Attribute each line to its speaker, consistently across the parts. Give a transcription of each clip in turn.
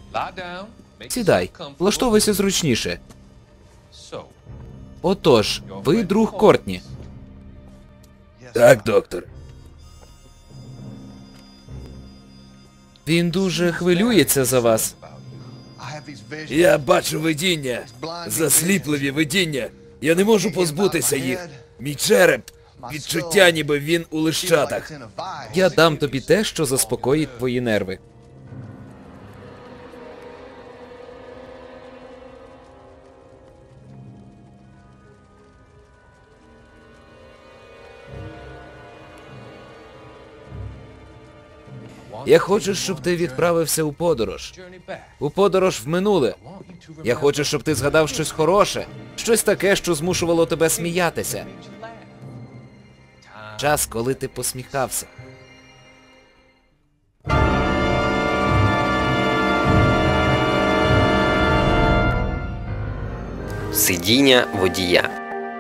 Speaker 1: Сідай, влаштовуйся зручніше. Отож, ви друг Кортні.
Speaker 2: Так, доктор.
Speaker 1: Він дуже хвилюється за вас.
Speaker 2: Я бачу видіння. Засліпливі видіння. Я не можу позбутися їх. Мій череп. Відчуття, ніби він у лищатах.
Speaker 1: Я дам тобі те, що заспокоїть твої нерви. Я хочу, щоб ти відправився у подорож. У подорож в минуле. Я хочу, щоб ти згадав щось хороше. Щось таке, що змушувало тебе сміятися. Час, коли ти посміхався.
Speaker 3: Сидіння водія.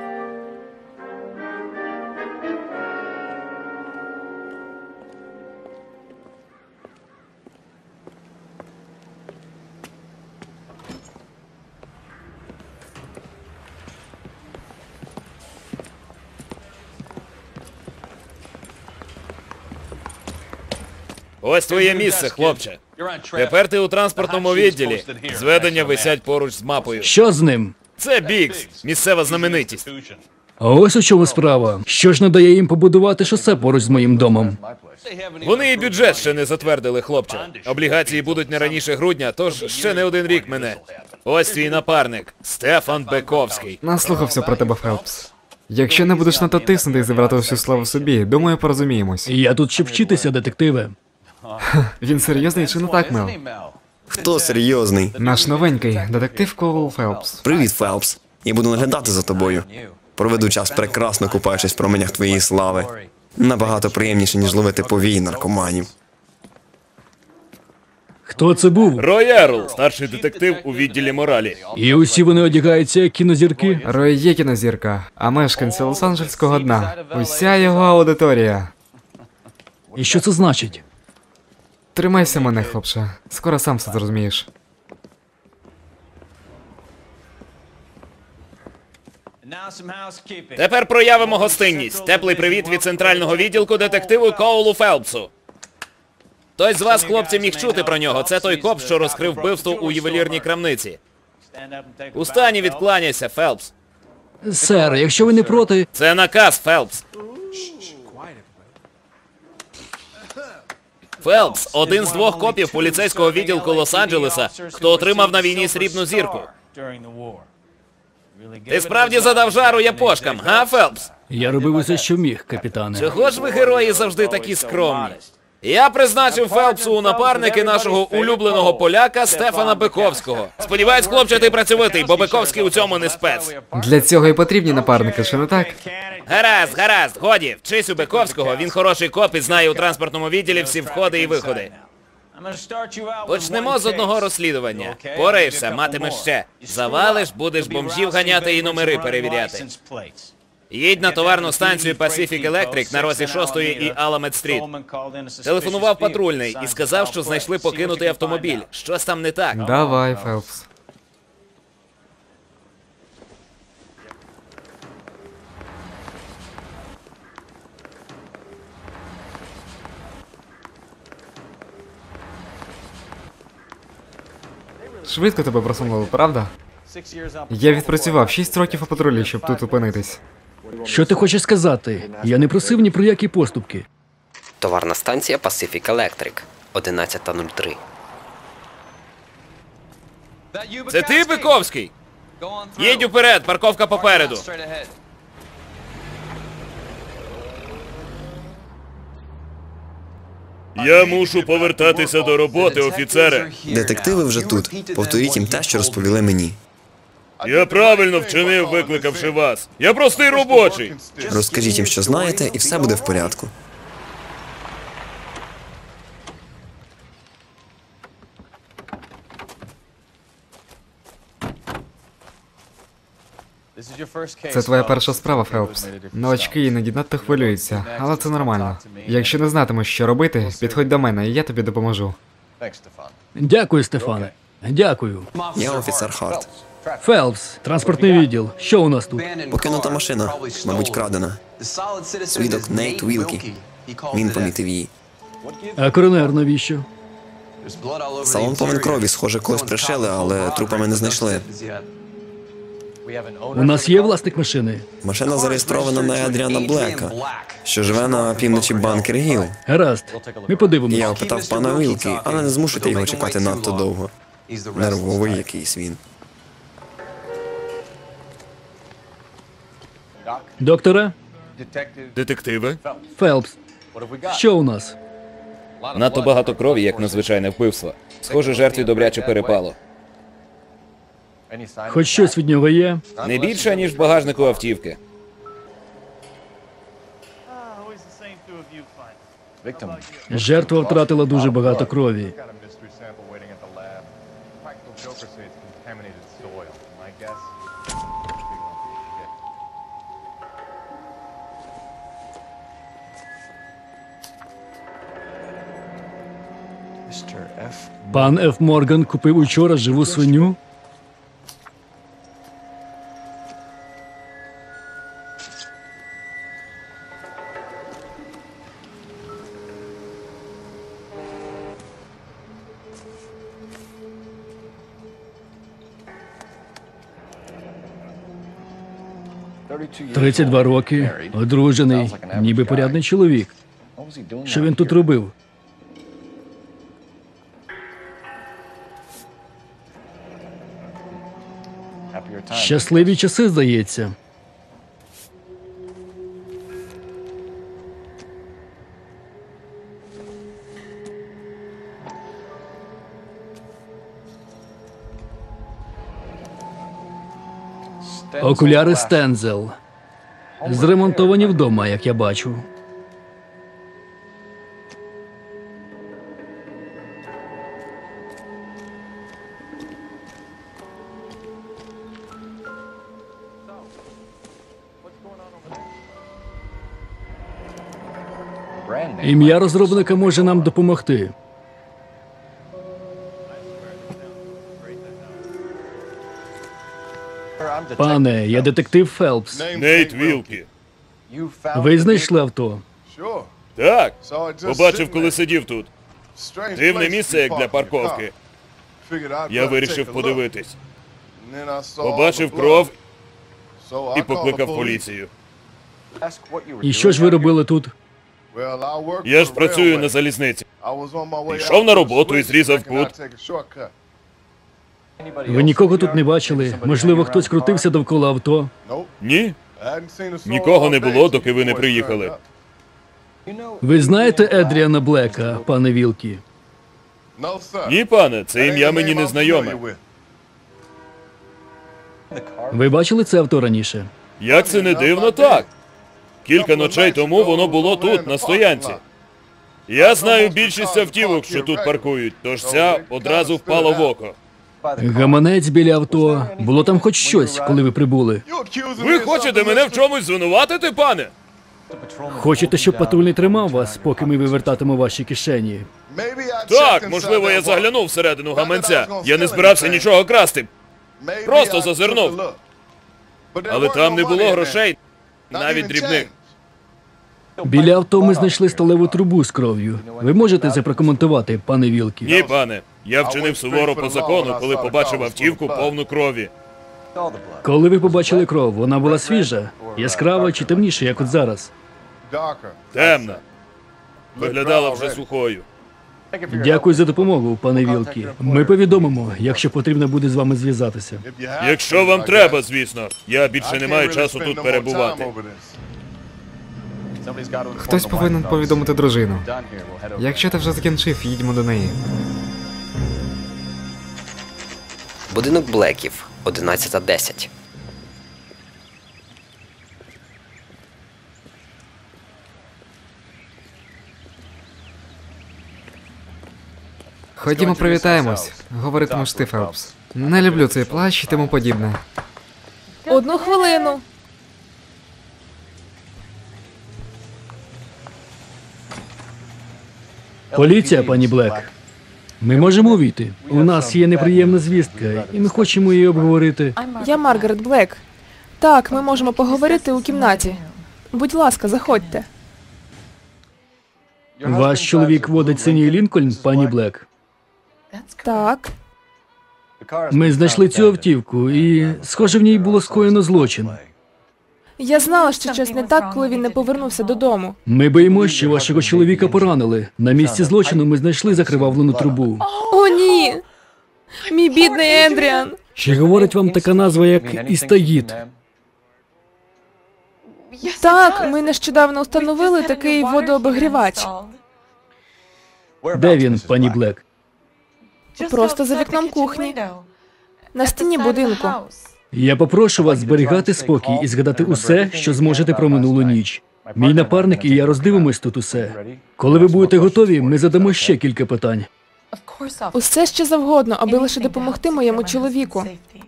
Speaker 2: Ось твоє місце, хлопче. Тепер ти у транспортному відділі. Зведення висять поруч з мапою.
Speaker 4: Що з ним?
Speaker 2: Це Бікс, місцева знаменитість.
Speaker 4: А ось у чому справа. Що ж не дає їм побудувати шосе поруч з моїм домом?
Speaker 2: Вони і бюджет ще не затвердили, хлопче. Облігації будуть не раніше грудня, тож ще не один рік мене. Ось твій напарник, Стефан Бековський.
Speaker 5: Наслухався про тебе, Фелпс. Якщо не будеш надто тиснути і забрати всю славу собі, думаю, порозуміємось.
Speaker 4: Я тут щоб вчитися, детективе.
Speaker 5: Він серйозний чи не так, Мел?
Speaker 6: Хто серйозний?
Speaker 5: Наш новенький детектив Коул Фелпс.
Speaker 6: Привіт, Фелпс. Я буду наглядати за тобою. Проведу час прекрасно купаючись в променях твоєї слави. Набагато приємніше, ніж ловити повій наркоманів.
Speaker 4: Хто це був?
Speaker 2: Рой Ерл, старший детектив у відділі моралі.
Speaker 4: І усі вони одягаються як кінозірки?
Speaker 5: Рой є кінозірка, а мешканці Лос-Анджельського дна. Уся його аудиторія.
Speaker 4: І що це значить?
Speaker 5: Тримайся мене, хлопче. Скоро сам все зрозумієш.
Speaker 2: Тепер проявимо гостинність. Теплий привіт від центрального відділку детективу Коулу Фелпсу. Хтось з вас, хлопці, міг чути про нього. Це той коп, що розкрив вбивство у ювелірній крамниці. Устані відкланяйся, Фелпс.
Speaker 4: Сер, якщо ви не проти...
Speaker 2: Це наказ, Фелпс. Фелпс – один з двох копів поліцейського відділку Лос-Анджелеса, хто отримав на війні срібну зірку. Ти справді задав жару япошкам, га, Фелпс?
Speaker 4: Я робив усе, що міг, капітане.
Speaker 2: Чого ж ви, герої, завжди такі скромні? Я призначив Фелпсу у напарники нашого улюбленого поляка Стефана Бековського. Сподіваюсь, хлопче, ти працьовитий, бо Бековський у цьому не спец.
Speaker 5: Для цього і потрібні напарники, чи не так?
Speaker 2: Гаразд, годі, вчись у Бековського, він хороший коп і знає у транспортному відділі всі входи і виходи. Почнемо з одного розслідування. Пораєшся, матимеш ще. Завалиш, будеш бомжів ганяти і номери перевіряти. Їдь на товарну станцію Pacific Electric на розі 6-ї і Аламед-стріт. Телефонував патрульний і сказав, що знайшли покинутий автомобіль. Щось там не так.
Speaker 5: Давай, Фелпс. Швидко тебе просунули, правда? Я відпрацював 6 років у патрулі, щоб тут опинитись.
Speaker 4: Що ти хочеш сказати? Я не просив ні про які поступки.
Speaker 3: Товарна станція Pacific Electric. 11:03.
Speaker 2: Це ти, Бековський? Їдь уперед, парковка попереду. Я мушу повертатися до роботи, офіцере.
Speaker 6: Детективи вже тут. Повторіть їм те, що розповіли мені.
Speaker 2: Я правильно вчинив, викликавши вас. Я простий робочий.
Speaker 6: Розкажіть їм, що знаєте, і все буде в порядку.
Speaker 5: Це твоя перша справа, Фелпс. Новачки іноді надто хвилюються, але це нормально. Якщо не знатимеш, що робити, підходь до мене, і я тобі допоможу.
Speaker 4: Дякую, Стефане. Дякую.
Speaker 6: Я офіцер Харт.
Speaker 4: Фелпс, транспортний відділ. Що у нас тут?
Speaker 6: Покинута машина, мабуть, крадена. Свідок Нейт Вілкі. Він помітив її.
Speaker 4: А коронер навіщо?
Speaker 6: Салон повен крові, схоже, когось пришили, але трупа ми не знайшли.
Speaker 4: У нас є власник машини?
Speaker 6: Машина зареєстрована на Едріана Блека, що живе на півночі Банкер Гіл.
Speaker 4: Гаразд. Ми подивимося.
Speaker 6: Я опитав пана Вілкі, але не змушуйте його чекати надто довго. Нервовий якийсь він.
Speaker 4: Доктора?
Speaker 2: Детективи?
Speaker 4: Фелпс. Що у нас?
Speaker 1: Надто багато крові, як на звичайне вбивство. Схоже, жертві добряче перепало.
Speaker 4: Хоч щось від нього є?
Speaker 1: Не більше, ніж в багажнику автівки.
Speaker 4: Жертва втратила дуже багато крові. Пан Ф. Морган купив учора живу свиню? – 32 роки, одружений, ніби порядний чоловік. Що він тут робив? Щасливі часи, здається. Окуляри Стензел. Зремонтовані вдома, як я бачу. Ім'я розробника може нам допомогти. Пане, я детектив Фелпс.
Speaker 2: Нейт Вілкі.
Speaker 4: Ви знайшли авто?
Speaker 2: Так, побачив, коли сидів тут. Дивне місце, як для парковки. Я вирішив подивитись. Побачив кров і покликав поліцію.
Speaker 4: І що ж ви робили тут?
Speaker 2: Я ж працюю на залізниці. Йшов на роботу і зрізав кут.
Speaker 4: Ви нікого тут не бачили? Можливо, хтось крутився довкола авто?
Speaker 2: Ні, нікого не було, доки ви не приїхали.
Speaker 4: Ви знаєте Едріана Блека, пане Вілкі?
Speaker 2: Ні, пане, це ім'я мені не знайоме.
Speaker 4: Ви бачили це авто раніше?
Speaker 2: Як це не дивно, так. Кілька ночей тому воно було тут, на стоянці. Я знаю більшість автівок, що тут паркують, тож ця одразу впала в око.
Speaker 4: Гаманець біля авто. Було там хоч щось, коли ви прибули?
Speaker 2: Ви хочете мене в чомусь звинуватити, пане?
Speaker 4: Хочете, щоб патрульний тримав вас, поки ми вивертатимо ваші кишені?
Speaker 2: Так, можливо, я заглянув всередину гаманця. Я не збирався нічого красти. Просто зазирнув. Але там не було грошей, навіть дрібних.
Speaker 4: Біля авто ми знайшли сталеву трубу з кров'ю. Ви можете це прокоментувати, пане Вілкі?
Speaker 2: Ні, пане. Я вчинив суворо по закону, коли побачив автівку повну крові.
Speaker 4: Коли ви побачили кров, вона була свіжа, яскрава чи темніша, як от зараз?
Speaker 2: Темна. Виглядала вже сухою.
Speaker 4: Дякую за допомогу, пане Вілкі. Ми повідомимо, якщо потрібно буде з вами зв'язатися.
Speaker 2: Якщо вам треба, звісно. Я більше не маю часу тут перебувати.
Speaker 5: Хтось повинен повідомити дружину. Якщо ти вже закінчив, їдьмо до неї.
Speaker 3: Будинок Блеків, 11:10.
Speaker 5: Ходімо привітаємось, говоритимеш ти, Фелпс. Не люблю цей плащ і тому подібне.
Speaker 7: Одну хвилину.
Speaker 4: Поліція, пані Блек. Ми можемо увійти. У нас є неприємна звістка, і ми хочемо її обговорити.
Speaker 7: Я Маргарет Блек. Так, ми можемо поговорити у кімнаті. Будь ласка, заходьте.
Speaker 4: Ваш чоловік водить синій Лінкольн, пані Блек.
Speaker 7: Так.
Speaker 4: Ми знайшли цю автівку, і, схоже, в ній було скоєно злочин.
Speaker 7: Я знала, що щось не так, коли він не повернувся додому.
Speaker 4: Ми боїмося, що вашого чоловіка поранили. На місці злочину ми знайшли закривавлену трубу.
Speaker 7: О, ні! Мій бідний Ендріан!
Speaker 4: Чи говорить вам така назва, як істаїд?
Speaker 7: Так, ми нещодавно встановили такий водообігрівач.
Speaker 4: Де він, пані Блек?
Speaker 7: Просто за вікном кухні. На стіні будинку.
Speaker 4: Я попрошу вас зберігати спокій і згадати усе, що зможете про минулу ніч. Мій напарник і я роздивимось тут усе. Коли ви будете готові, ми задамо ще кілька питань.
Speaker 7: Усе що завгодно, аби лише допомогти моєму чоловіку.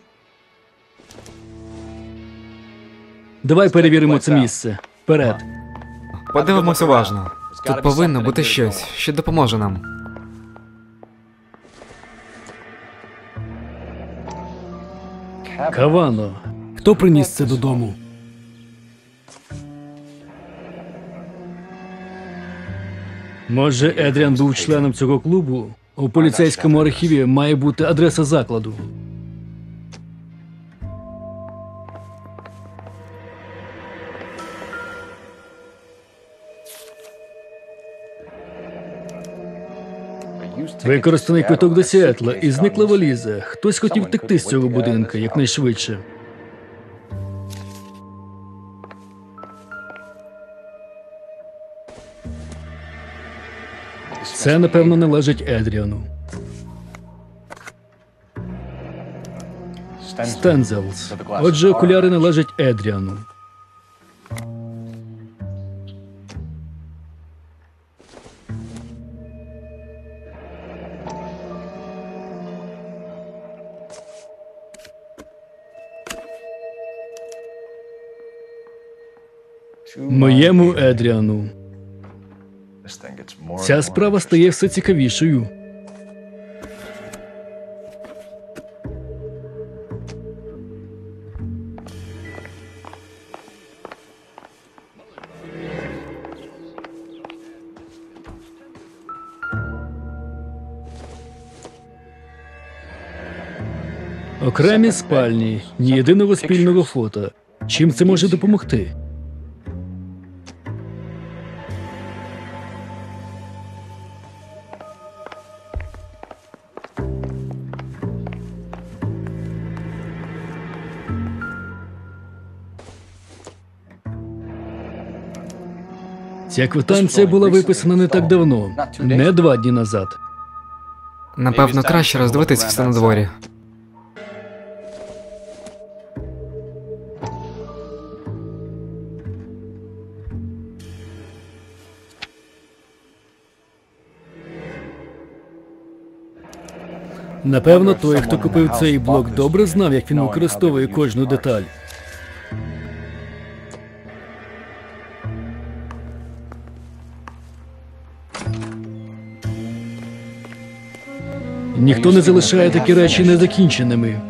Speaker 4: Давай перевіримо це місце. Вперед.
Speaker 5: Подивимось уважно. Тут повинно бути щось, що допоможе нам.
Speaker 4: Кавано. Хто приніс це додому? Може, Едріан був членом цього клубу? У поліцейському архіві має бути адреса закладу. Використаний квиток до Сіетла і зникла валіза. Хтось хотів втекти з цього будинку якнайшвидше. Це, напевно, належить Едріану. Стензелс. Отже, окуляри належать Едріану. Моєму Едріану. Ця справа стає все цікавішою. Окремі спальні, ні єдиного спільного фото. Чим це може допомогти? Ця квитанція була виписана не так давно, не 2 дні назад.
Speaker 5: Напевно, краще роздивитись все на дворі.
Speaker 4: Напевно, той, хто купив цей блок, добре знав, як він використовує кожну деталь. Ніхто не залишає такі речі незакінченими.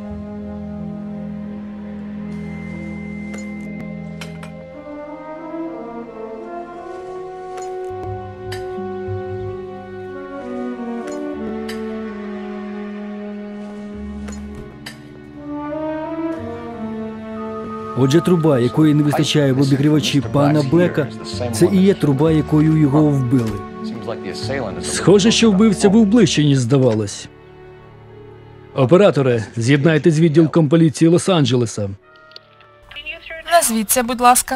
Speaker 4: Отже, труба, якої не вистачає в обігрівачі пана Блека, це і є труба, якою його вбили. Схоже, що вбивця був ближче, ніж здавалось. Операторе, з'єднайте з відділком поліції Лос-Анджелеса.
Speaker 7: Назвіться, будь ласка.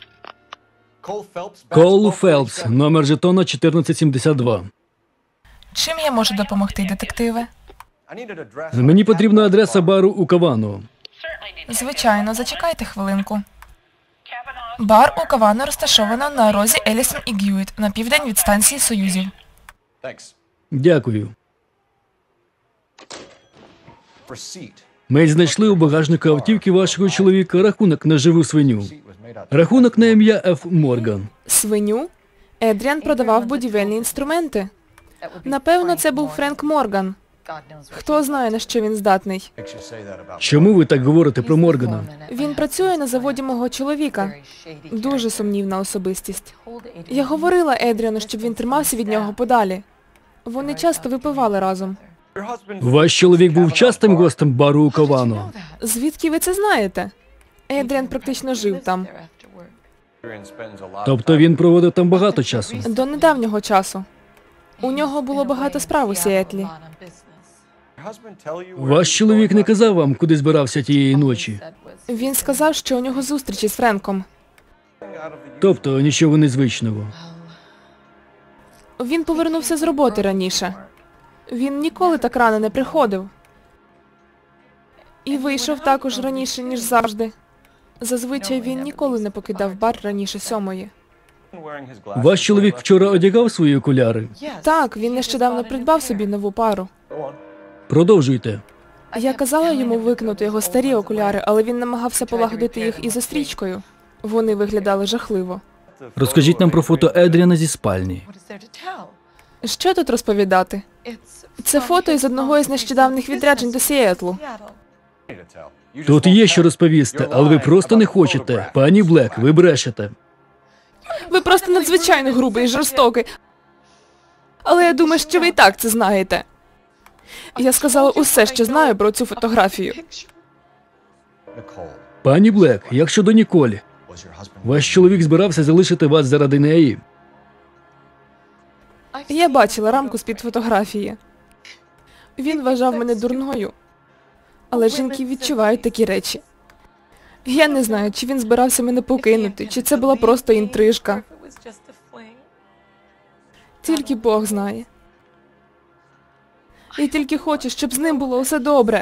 Speaker 4: Кол Фелпс, номер жетона 1472.
Speaker 7: Чим я можу допомогти, детективе?
Speaker 4: Мені потрібна адреса бару у Кавано.
Speaker 7: Звичайно, зачекайте хвилинку. Бар у Кавано розташовано на розі Елісон і Г'юіт, на південь від станції Союзів.
Speaker 4: Дякую. Ми знайшли у багажнику автівки вашого чоловіка рахунок на живу свиню. Рахунок на ім'я Ф. Морган.
Speaker 7: Свиню? Едріан продавав будівельні інструменти. Напевно, це був Френк Морган. Хто знає, на що він здатний.
Speaker 4: Чому ви так говорите про Моргана?
Speaker 7: Він працює на заводі мого чоловіка. Дуже сумнівна особистість. Я говорила Едріану, щоб він тримався від нього подалі. Вони часто випивали разом.
Speaker 4: Ваш чоловік був частим гостем бару у Кавано.
Speaker 7: Звідки ви це знаєте? Едріан практично жив там.
Speaker 4: Тобто він проводив там багато часу.
Speaker 7: До недавнього часу. У нього було багато справ у Сіетлі.
Speaker 4: Ваш чоловік не казав вам, куди збирався тієї ночі.
Speaker 7: Він сказав, що у нього зустріч із Френком.
Speaker 4: Тобто нічого незвичного.
Speaker 7: Він повернувся з роботи раніше. Він ніколи так рано не приходив. І вийшов також раніше, ніж завжди. Зазвичай він ніколи не покидав бар раніше 7:00.
Speaker 4: Ваш чоловік вчора одягав свої окуляри.
Speaker 7: Так, він нещодавно придбав собі нову пару.
Speaker 4: Продовжуйте.
Speaker 7: Я казала йому викинути його старі окуляри, але він намагався полагодити їх із застрічкою. Вони виглядали жахливо.
Speaker 4: Розкажіть нам про фото Едріана зі спальні.
Speaker 7: Що тут розповідати? Це фото із одного із нещодавних відряджень до Сіетлу.
Speaker 4: Тут є що розповісти, але ви просто не хочете. Пані Блек, ви брешете.
Speaker 7: Ви просто надзвичайно грубий і жорстокий. Але я думаю, що ви і так це знаєте. Я сказала усе, що знаю про цю фотографію.
Speaker 4: Пані Блек, як щодо Ніколі? Ваш чоловік збирався залишити вас заради неї.
Speaker 7: Я бачила рамку з-під фотографії. Він вважав мене дурною. Але жінки відчувають такі речі. Я не знаю, чи він збирався мене покинути, чи це була просто інтрижка. Тільки Бог знає. Я тільки хочу, щоб з ним було все добре.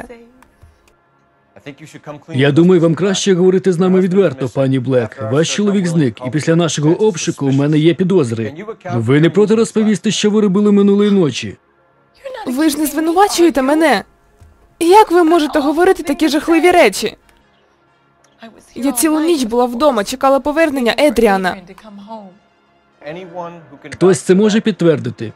Speaker 4: Я думаю, вам краще говорити з нами відверто, пані Блек. Ваш чоловік зник, і після нашого обшуку у мене є підозри. Ви не проти розповісти, що ви робили минулої ночі?
Speaker 7: Ви ж не звинувачуєте мене. Як ви можете говорити такі жахливі речі? Я цілу ніч була вдома, чекала повернення Едріана.
Speaker 4: Хтось це може підтвердити?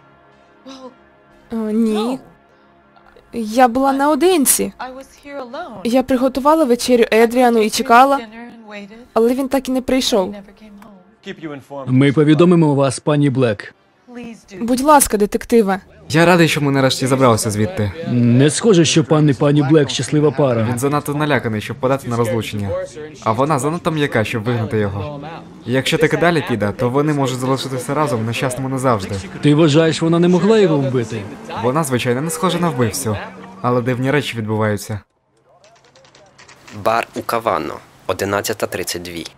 Speaker 7: Ні. Я була наодинці. Я приготувала вечерю Едріану і чекала, але він так і не прийшов.
Speaker 4: Ми повідомимо вас, пані Блек.
Speaker 7: Будь ласка, детективе.
Speaker 5: Я радий, що ми нарешті забралися звідти.
Speaker 4: Не схоже, що пан і пані Блек щаслива пара.
Speaker 5: Він занадто наляканий, щоб подати на розлучення. А вона занадто м'яка, щоб вигнати його. І якщо таки далі піде, то вони можуть залишитися разом нещасними назавжди.
Speaker 4: Ти вважаєш, вона не могла його вбити?
Speaker 5: Вона, звичайно, не схожа на вбивцю. Але дивні речі відбуваються.
Speaker 3: Бар у Кавано, 11:32.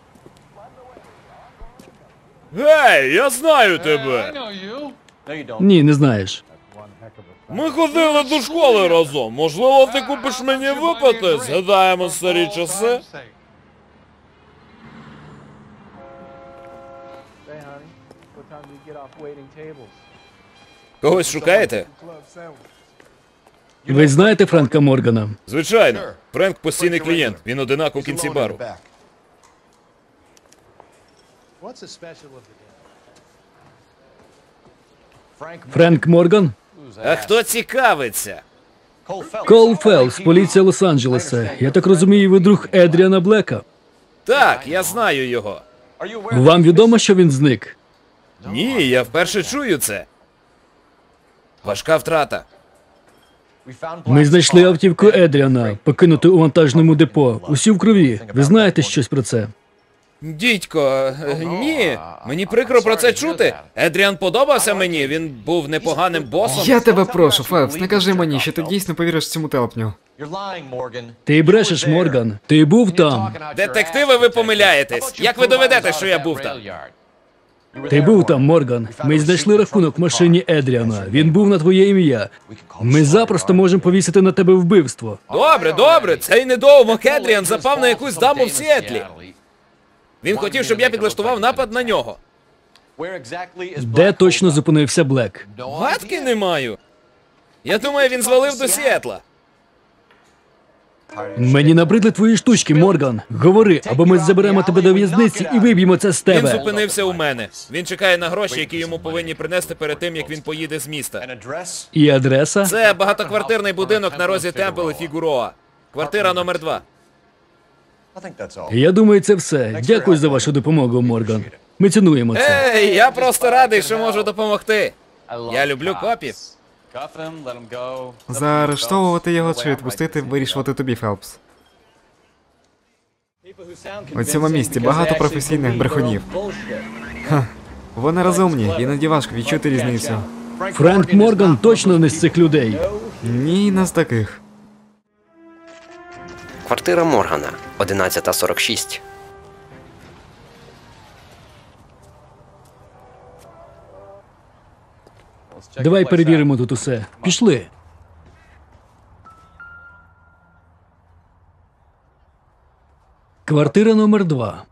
Speaker 2: Гей, я знаю тебе!
Speaker 4: Ні, не знаєш.
Speaker 2: Ми ходили до школи разом. Можливо, ти купиш мені випити? Згадаємо старі часи. Когось шукаєте?
Speaker 4: Ви знаєте Френка Моргана?
Speaker 2: Звичайно. Френк постійний клієнт. Він одинак у кінці бару.
Speaker 4: Френк Морган?
Speaker 2: А хто цікавиться?
Speaker 4: Кол Фелпс, поліція Лос-Анджелеса. Я так розумію, ви друг Едріана Блека.
Speaker 2: Так, я знаю його.
Speaker 4: Вам відомо, що він зник?
Speaker 2: Ні, я вперше чую це. Важка втрата.
Speaker 4: Ми знайшли автівку Едріана, покинуту у вантажному депо. Усі в крові. Ви знаєте щось про це?
Speaker 2: Дідько, ні. Мені прикро про це чути. Едріан подобався мені, він був непоганим босом.
Speaker 5: Я тебе прошу, Фелпс, не кажи мені, що ти дійсно повіриш цьому телепню.
Speaker 4: Ти брешеш, Морган. Ти був там.
Speaker 2: Детективи, ви помиляєтесь. Як ви доведете, що я був там?
Speaker 4: Ти був там, Морган. Ми знайшли рахунок в машині Едріана. Він був на твоє ім'я. Ми запросто можемо повісити на тебе вбивство.
Speaker 2: Добре, добре, цей недоумок Едріан запав на якусь даму в Сіетлі. Він хотів, щоб я підлаштував напад на нього.
Speaker 4: Де точно зупинився Блек?
Speaker 2: Гадки не маю. Я думаю, він звалив до Сіетла.
Speaker 4: Мені набридли твої штучки, Морган. Говори, або ми заберемо тебе до в'язниці і виб'ємо це з
Speaker 1: Він
Speaker 4: тебе.
Speaker 1: зупинився у мене. Він чекає на гроші, які йому повинні принести перед тим, як він поїде з міста.
Speaker 4: І адреса?
Speaker 1: Це багатоквартирний будинок на розі Темпл і Фігуроа. Квартира номер 2.
Speaker 4: Я думаю, це все. Дякую за вашу допомогу, Морган. Ми цінуємо це.
Speaker 1: Ей, я просто радий, що можу допомогти. Я люблю копів.
Speaker 5: Заарештовувати його чи відпустити, вирішувати тобі, Фелпс. У цьому місті багато професійних брехунів. Вони розумні, іноді важко відчути різницю.
Speaker 4: Френк Морган точно не з цих людей.
Speaker 5: Ні, не з таких.
Speaker 3: Квартира Моргана, 11:46.
Speaker 4: Давай перевіримо тут усе. Пішли. Квартира номер 2.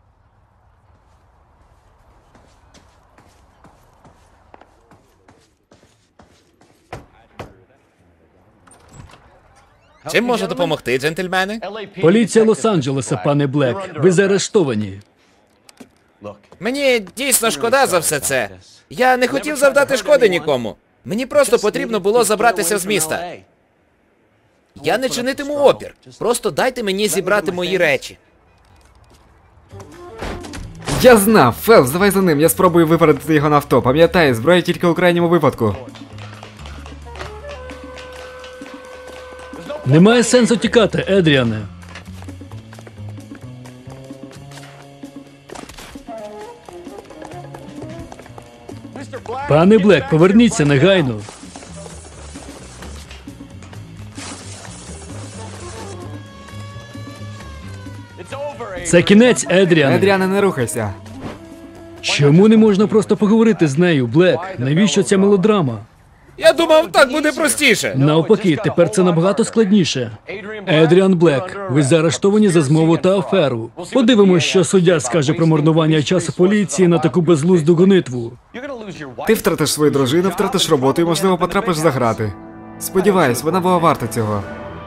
Speaker 1: Чим можу допомогти, джентльмени?
Speaker 4: Поліція Лос-Анджелеса, пане Блек. Ви заарештовані.
Speaker 1: Мені дійсно шкода за все це. Я не хотів завдати шкоди нікому. Мені просто потрібно було забратися з міста. Я не чинитиму опір. Просто дайте мені зібрати мої речі.
Speaker 5: Я знав! Фелпс, давай за ним, я спробую випередити його на авто. Пам'ятай, зброя тільки у крайньому випадку.
Speaker 4: Немає сенсу тікати, Едріане. Пане Блек, поверніться негайно. Це кінець, Едріане.
Speaker 5: Едріане, не рухайся.
Speaker 4: Чому не можна просто поговорити з нею, Блек? Навіщо ця мелодрама?
Speaker 1: Я думав, так буде простіше.
Speaker 4: Навпаки, тепер це набагато складніше. Едріан Блек, ви заарештовані за змову та аферу. Подивимось, що суддя скаже про марнування часу поліції на таку безглузду гонитву.
Speaker 5: Ти втратиш свою дружину, втратиш роботу і, можливо, потрапиш за грати. Сподіваюсь, вона була варта цього.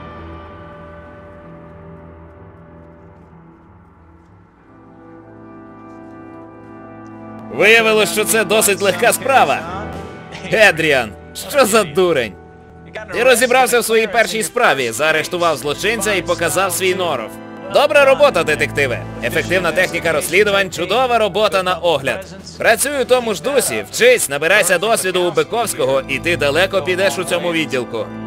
Speaker 1: Виявилось, що це досить легка справа. Едріан, що за дурень? Ти розібрався в своїй першій справі, заарештував злочинця і показав свій норов. Добра робота, детективе. Ефективна техніка розслідувань, чудова робота на огляд. Працюй у тому ж дусі, вчись, набирайся досвіду у Биковського, і ти далеко підеш у цьому відділку.